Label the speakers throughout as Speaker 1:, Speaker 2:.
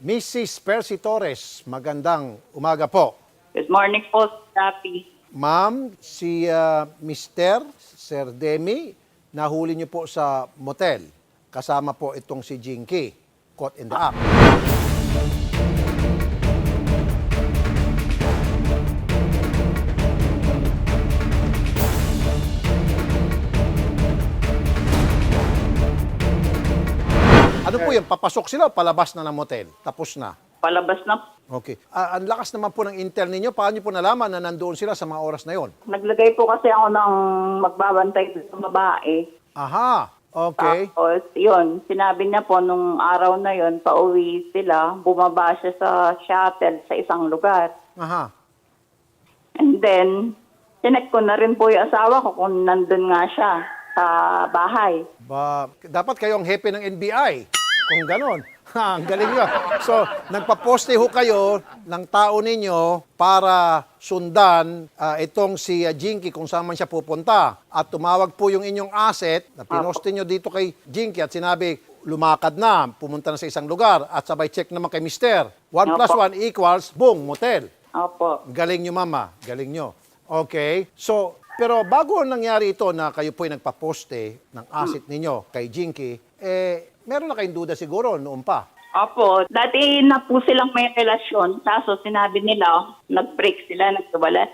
Speaker 1: Mrs. Percy Torres, magandang umaga po.
Speaker 2: Good morning po, Rapi.
Speaker 1: Ma'am, si Mr. Sir Demi, nahuli niyo po sa motel. Kasama po itong si Jinky, caught in the act. Ano po yan? Papasok sila o palabas na ng motel? Tapos na?
Speaker 2: Palabas na.
Speaker 1: Okay. Ang lakas naman po ng intel ninyo. Paano niyo po nalaman na nandoon sila sa mga oras na yon?
Speaker 2: Naglagay po kasi ako ng magbabantay sa babae.
Speaker 1: Aha. Okay.
Speaker 2: Tapos, yun, sinabi niya po nung araw na yun, pauwi sila, bumaba siya sa shuttle sa isang lugar.
Speaker 1: Aha.
Speaker 2: And then, sinek ko na rin po yung asawa ko kung nandun nga siya sa bahay.
Speaker 1: Dapat kayong hepe ng NBI. Kung ganon. Ha, ang galing nyo. So, nagpaposte ho kayo ng tao ninyo para sundan itong si Jinky kung saan man siya pupunta. At tumawag po yung inyong asset na pinosti nyo dito kay Jinky at sinabi, lumakad na, pumunta na sa isang lugar at sabay check naman kay Mister. 1 plus 1 equals, boom, motel.
Speaker 2: Opo.
Speaker 1: Galing nyo, mama. Galing nyo. Okay. So, pero bago nangyari ito na kayo po'y nagpaposte ng asset ninyo kay Jinky, meron na kayong duda siguro noon pa.
Speaker 2: Opo. Dati na po silang may relasyon. Kaso sinabi nila, nag-break sila, nagkawala.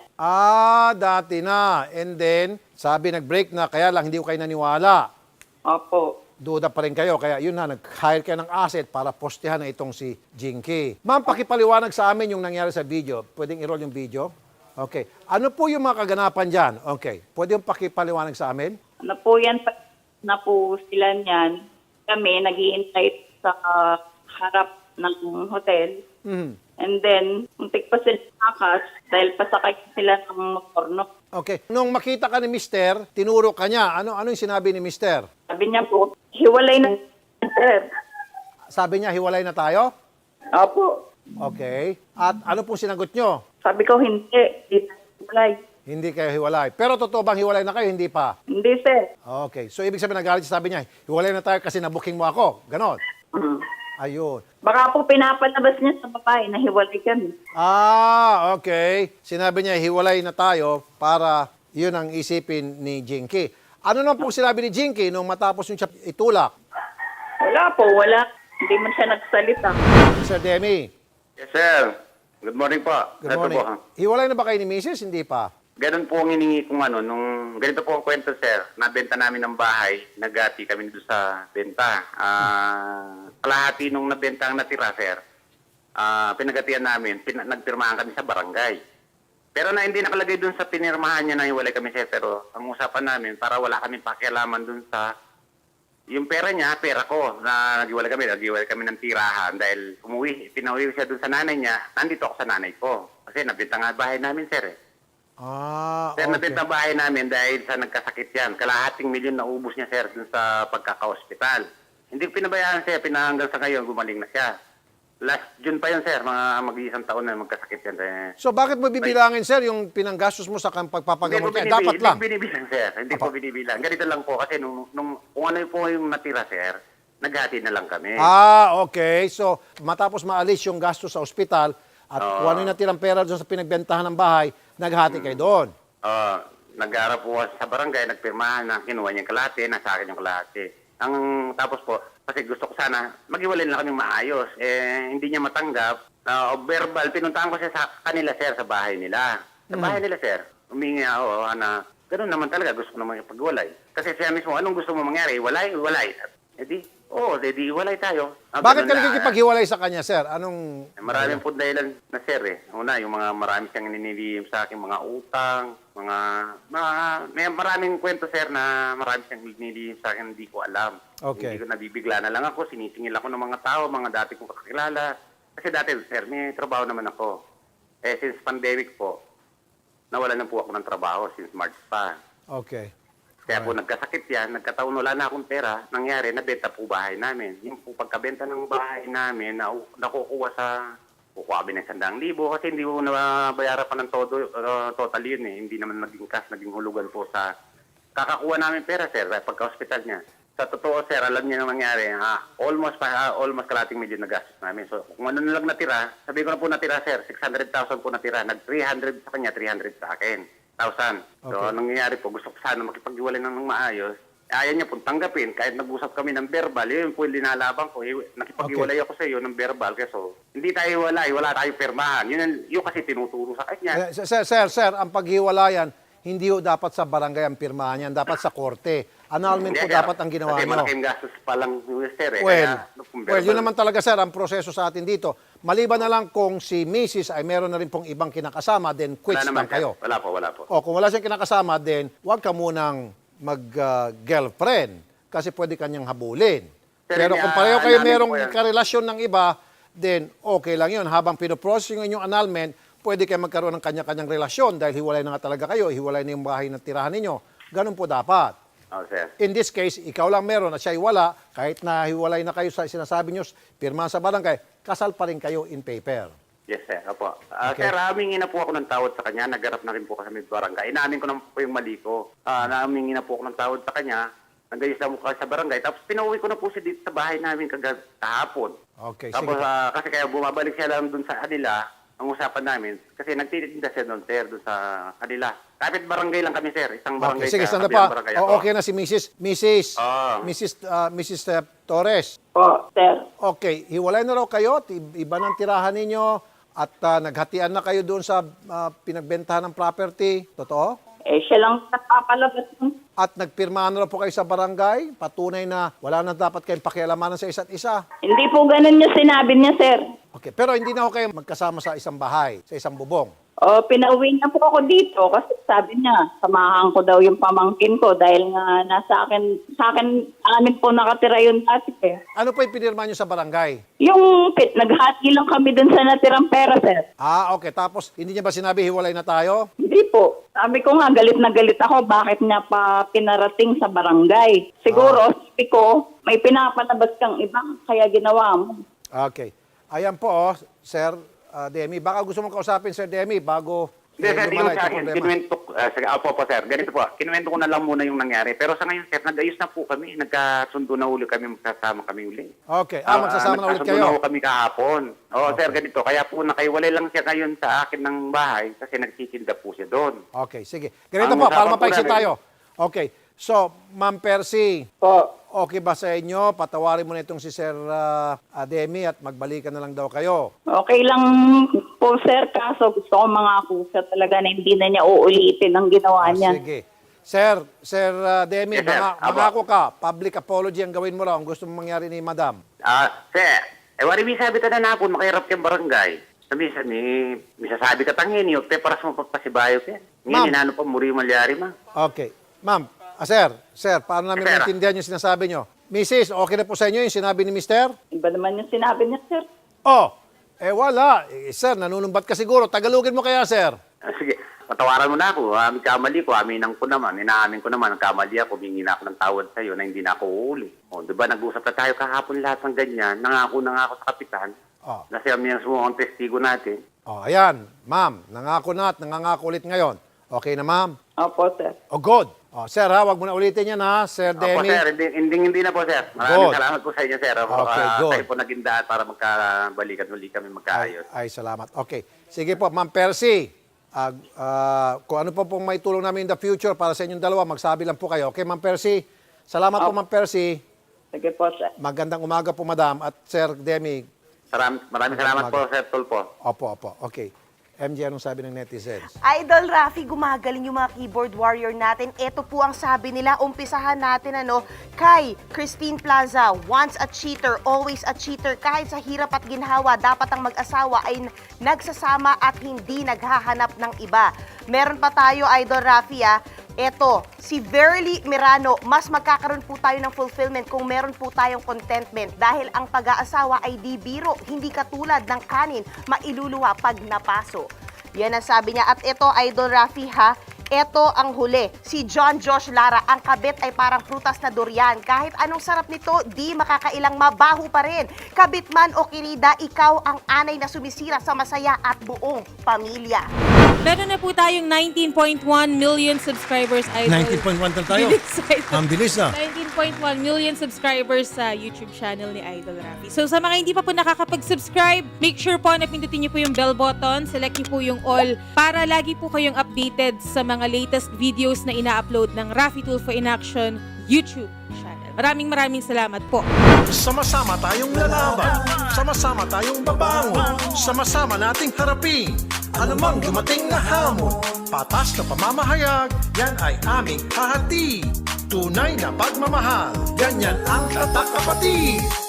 Speaker 1: Dati na. And then, sabi nag-break na, kaya lang hindi ko kayo naniwala.
Speaker 2: Opo.
Speaker 1: Duda pa rin kayo. Kaya yun na, nag-hire kayo ng asset para postehan na itong si Jinky. Ma'am, pakipaliwanag sa amin yung nangyari sa video. Pwedeng i-roll yung video? Okay. Ano po yung mga kaganapan dyan? Okay. Pwede yung pakipaliwanag sa amin?
Speaker 2: Ano po yan, na po sila niyan. Kami nag-iintay sa harap ng hotel.
Speaker 1: Mhm.
Speaker 2: And then, muntik pa sila nakas dahil pasakay sila ng motor. No?
Speaker 1: Okay. Nung makita ka ni Mister, tinuro ka niya. Ano yung sinabi ni Mister?
Speaker 2: Sabi niya po, hiwalay na sir.
Speaker 1: Sabi niya, hiwalay na tayo?
Speaker 2: Opo.
Speaker 1: Okay. At ano pong sinagot nyo?
Speaker 2: Sabi ko, hindi. Hindi tayo hiwalay.
Speaker 1: Hindi kayo hiwalay. Pero totoo bang hiwalay na kayo? Hindi pa.
Speaker 2: Hindi, sir.
Speaker 1: Okay. So, ibig sabihin, nagalit siya, sabi niya, hiwalay na tayo kasi nabuking mo ako. Ganon.
Speaker 2: Mm.
Speaker 1: Ayun.
Speaker 2: Baka po pinapalabas niya sa babae na hiwalay kami.
Speaker 1: Okay. Sinabi niya, hiwalay na tayo para yun ang isipin ni Jinky. Ano naman po sinabi ni Jinky nung matapos yung siya itulak?
Speaker 2: Wala po, wala. Hindi man siya nagsalita.
Speaker 1: Sir Demi,
Speaker 3: Yes, sir. Good morning po.
Speaker 1: good morning.
Speaker 3: Ito po.
Speaker 1: Hiwalay na ba kayo ni Mrs.? Hindi pa.
Speaker 3: Ganun po ang hiningi kong ganito po ang kwento, sir. Nabenta namin ng bahay, nagati kami doon sa benta. Kalahati nung nabenta ang natira, sir. Pinagatian namin, nagpirmahan kami sa barangay. Pero na hindi nakalagay doon sa pinirmahan niya na hiwalay kami, sir. Pero ang usapan namin, para wala kami pakialaman doon sa yung pera niya, pera ko, na naghiwalay kami ng tirahan dahil pinauwi siya doon sa nanay niya, nandito ako sa nanay ko. Kasi nabenta nga bahay namin, sir. Sir,
Speaker 1: Okay.
Speaker 3: nabenta bahay namin dahil sa nagkasakit yan. Kalahating milyon na ubos niya, sir, doon sa pagkaka-hospital. Hindi pinabayaan, sir, hanggang sa ngayon, gumaling na siya. Last June pa yun, sir, mag-iisang taon na magkasakit yan.
Speaker 1: So, bakit mo bibilangin, sir, yung pinanggastos mo sa pagpapagamot niya? Dapat lang.
Speaker 3: Hindi binibilang, sir. Hindi po binibilang. Ganito lang po kasi kung ano po yung natira, sir, naghati na lang kami.
Speaker 1: Okay. So, matapos maalis yung gastos sa ospital at kung ano yung natirang pera doon sa pinagbentahan ng bahay, naghati kayo doon.
Speaker 3: Nag-aarap po sa barangay, nagpirmahan na kinuha niya yung kalahati, nasa akin yung kalahati. Tapos po, kasi gusto ko sana, maghiwalay na kami maayos. Hindi niya matanggap. Verbal, pinuntahan ko siya sa kanila, sir, sa bahay nila. Sa bahay nila, sir. Humingi ako na, ganun naman talaga, gusto ko naman yung paghiwalay. Kasi siya mismo, anong gusto mo mangyari? Iwalay? Edi iwalay tayo.
Speaker 1: Bakit ka nagkikipaghiwalay sa kanya, sir? Anong...
Speaker 3: Maraming po dahilan na, sir, Una, yung mga marami siyang ninilihim sa akin, mga utang, may maraming kwento, sir, na marami siyang ninilihim sa akin, hindi ko alam.
Speaker 1: Okay.
Speaker 3: Hindi ko nabibigla na lang ako, sinisingil ako ng mga tao, mga dati kong kakilala. Kasi dati, sir, may trabaho naman ako. Since pandemic po, nawalan na po ako ng trabaho since March pa.
Speaker 1: Okay.
Speaker 3: Kaya po nagkasakit yan, nagkataon wala na akong pera, nangyari, nabenta po bahay namin. Yung po pagkabenta ng bahay namin, nakukuha kami ng 100,000 kasi hindi po nabayaran pa ng total yun. Hindi naman naging cash, naging hulugan po sa kakakuha namin pera, sir, pagka-hospital niya. Sa totoo, sir, alam niyo ang nangyari. Almost kalating milyon na gastos namin. So, kung ano na lang natira, sabi ko na po natira, sir, 600,000 po natira. Nag-300 sa kanya, 300 sa akin. 1,000. So,
Speaker 1: Okay.
Speaker 3: anong nangyayari po, gusto ko sana makipag-iwalay ng maayos. Ayaw niya pong tanggapin. Kahit nag-usap kami ng verbal, yun po yung linalaban ko. Nakipag-iwalay ako sa iyo ng verbal. So, hindi tayo iwalay, wala tayong pirmahan. Yun kasi tinuturo sa kanya.
Speaker 1: Sir, ang paghiwalayan, hindi ho dapat sa barangay ang pirmahan yan, dapat sa korte. Annulment po
Speaker 3: Hindi,
Speaker 1: dapat ang ginawa
Speaker 3: kasi
Speaker 1: nyo.
Speaker 3: malaking gastos pa lang, sir.
Speaker 1: Well, yun naman talaga, sir, ang proseso sa atin dito. Maliban na lang kung si Mrs. ay meron na rin pong ibang kinakasama, then quits lang kayo.
Speaker 3: Wala po.
Speaker 1: O kung wala siyang kinakasama, then huwag ka munang mag-girlfriend kasi pwede kanyang habulin.
Speaker 3: Sir,
Speaker 1: Pero kung pareho kayo
Speaker 3: namin
Speaker 1: merong
Speaker 3: po yan.
Speaker 1: karelasyon ng iba, then okay lang yun. Habang pinoprocess yung inyong annulment, pwede kayo magkaroon ng kanya-kanyang relasyon dahil hiwalay na nga talaga kayo, hiwalay na yung bahay na tirahan ninyo. Ganun po dapat.
Speaker 3: Oh, sir.
Speaker 1: In this case, ikaw lang meron at siya ay wala, kahit na hiwalay na kayo sa sinasabi nyo, pirma sa barangay, kasal pa rin kayo in paper.
Speaker 3: Yes, sir. Opo.
Speaker 1: Okay.
Speaker 3: Sir, humingi na po ako ng tawad sa kanya. Nagharap na rin po kami sa barangay. Inaamin ko na po yung mali ko. Humingi na po ako ng tawad sa kanya. Nagayos na po kami sa barangay. Tapos pinauwi ko na po siya dito sa bahay namin kahapon.
Speaker 1: Okay,
Speaker 3: Tapos
Speaker 1: sige.
Speaker 3: kasi kaya bumabalik siya lang dun sa kanila, ang usapan namin. Kasi nagtitinda siya doon, sir, dun sa kanila. Kapit barangay lang kami, sir. Isang barangay.
Speaker 1: Okay, sige,
Speaker 3: sa
Speaker 1: sanda
Speaker 3: kabilang
Speaker 1: pa.
Speaker 3: barangay
Speaker 1: O,
Speaker 3: ako.
Speaker 1: okay na si Mrs. Torres.
Speaker 2: Po, sir.
Speaker 1: Okay, hiwalay na raw kayo, iba ng tirahan ninyo, at naghatian na kayo doon sa pinagbentahan ng property. Totoo?
Speaker 2: Siya lang nakapalabas ng
Speaker 1: At nagpirmahan na raw po kayo sa barangay, patunay na wala na dapat kayong pakialamanan sa isa't isa.
Speaker 2: Hindi po ganun yung sinabi niya, sir.
Speaker 1: Okay, pero hindi na ho kayo magkasama sa isang bahay, sa isang bubong.
Speaker 2: Pinauwi niya po ako dito kasi sabi niya, samahan ko daw yung pamangkin ko dahil nga amin po nakatira yun dati eh.
Speaker 1: Ano po yung pinirma nyo sa barangay?
Speaker 2: Yung naghati lang kami dun sa natirang pera, sir.
Speaker 1: Okay. Tapos, hindi niya ba sinabi hiwalay na tayo?
Speaker 2: Hindi po. Sabi ko nga, galit na galit ako. Bakit niya pa pinarating sa barangay? Siguro, sabi ko, may pinapalabas kang ibang kaya ginawa mo.
Speaker 1: Okay. Ayan po, Sir Demi. Baka gusto mong kausapin, Sir Demi, bago
Speaker 3: Hindi, sir, yung
Speaker 1: lumala
Speaker 3: sa
Speaker 1: itong
Speaker 3: akin,
Speaker 1: problema.
Speaker 3: kinuwento, po, sir, ganito po, kinuwento ko na lang muna yung nangyari. Pero sa ngayon, sir, nag-ayos na po kami, nagkasundo na uli kami, magkasama kami uli.
Speaker 1: Okay. Magsasama na ulit
Speaker 3: Nagkasundo na
Speaker 1: kayo.
Speaker 3: po kami kahapon. Sir, ganito, kaya po nakaiwalay lang siya ngayon sa akin ng bahay kasi nagtitinda po siya doon.
Speaker 1: Okay, sige. Ganito
Speaker 3: Ang
Speaker 1: po, para
Speaker 3: usapan po
Speaker 1: mapaiksi
Speaker 3: namin-
Speaker 1: tayo. Okay. So, Ma'am Percy,
Speaker 2: Po.
Speaker 1: okay ba sa inyo? Patawarin mo na itong si Sir Demi at magbalikan na lang daw kayo.
Speaker 2: Okay lang po, sir. Kaso gusto ko mangako siya talaga na hindi na niya uulitin ang ginawa niya.
Speaker 1: Sige. Sir Demi,
Speaker 3: Yes, sir.
Speaker 1: mangako ka, public apology ang gawin mo raw. Ang gusto mong mangyari ni Madam.
Speaker 3: Sir, wari sabi ta na napon, makahirap kayong barangay. Sabi, may sasabi ka tangin, yung te, para sa mapagpasibayo ka.
Speaker 1: Ma'am.
Speaker 3: Ngayon, inano pa, muri malyari, ma.
Speaker 1: Okay. Ma'am, sir, paano namin
Speaker 3: Sir.
Speaker 1: maintindihan yung sinasabi nyo? Mrs., okay na po sa inyo yung sinabi ni Mister?
Speaker 2: Iba naman yung sinabi niya, sir.
Speaker 1: Wala. Sir, nanunumbat ka siguro. Tagalogin mo kaya, sir?
Speaker 3: Sige, patawaran mo na ako. Kamali ko, aminan ko naman. Inaamin ko naman, kamali ako, humingi na ako ng tawad sa'yo na hindi na ako uuli. Diba, nag-usap na tayo kahapon lahat ng ganyan. Nangako na nga ako sa kapitan. Kasi kami ang sumuha ang testigo natin.
Speaker 1: Ayan. Ma'am, nangako na at nangangako ulit ngayon. Okay na, ma'am?
Speaker 2: Opo, sir.
Speaker 1: Good. Sir, wag mo na ulitin yan, ha? Sir
Speaker 3: Opo,
Speaker 1: Demi.
Speaker 3: sir. Hindi na po, sir. Maraming
Speaker 1: Good.
Speaker 3: salamat po sa inyo, sir.
Speaker 1: Okay, good.
Speaker 3: Kayo po naging daan para magkabalikan uli kami magkaayos.
Speaker 1: Ay, salamat. Okay. Sige po, Ma'am Percy. Kung ano po pong may tulong namin in the future para sa inyong dalawa, magsabi lang po kayo. Okay, Ma'am Percy? Salamat po, Ma'am Percy.
Speaker 2: Sige po, sir.
Speaker 1: Magandang umaga po, Madam. At Sir Demi.
Speaker 3: Maraming salamat po, Sir Tulpo.
Speaker 1: Opo. Okay. MJ, anong sabi ng netizens?
Speaker 4: Idol Rafi, gumagaling yung mga keyboard warrior natin. Ito po ang sabi nila. Umpisahan natin kay Christine Plaza, once a cheater, always a cheater. Kahit sa hirap at ginhawa, dapat ang mag-asawa ay nagsasama at hindi naghahanap ng iba. Meron pa tayo, Idol Rafi, Eto, si Verly Mirano, mas magkakaroon po tayo ng fulfillment kung meron po tayong contentment dahil ang pag-aasawa ay di biro, hindi katulad ng kanin, mailuluwa pag napaso. Yan ang sabi niya. At ito, Idol Rafi, ito ang huli. Si John Josh Lara, ang kabit ay parang prutas na durian. Kahit anong sarap nito, di makakailang mabaho pa rin. Kabit man o kirida, ikaw ang anay na sumisira sa masaya at buong pamilya.
Speaker 5: Meron na po tayong 19.1 million subscribers, Idol.
Speaker 1: 19.1 na tayo.
Speaker 5: Bilis, Idol.
Speaker 1: Ang bilis na.
Speaker 5: 19.1 million subscribers sa YouTube channel ni Idol Rafi. So sa mga hindi pa po nakakapag-subscribe, make sure po na pindutin niyo po yung bell button, select niyo po yung all para lagi po kayong updated sa mga latest videos na ina-upload ng Rafi Tulfo in Action YouTube channel. Maraming salamat po.
Speaker 1: Sama-sama tayong lalaban, sama-sama tayong babangon, sama-sama nating harapin anumang dumating na hamon. Patas na pamamahayag, yan ay aming hahati. Tunay na pagmamahal, ganyan ang tatak kapatid.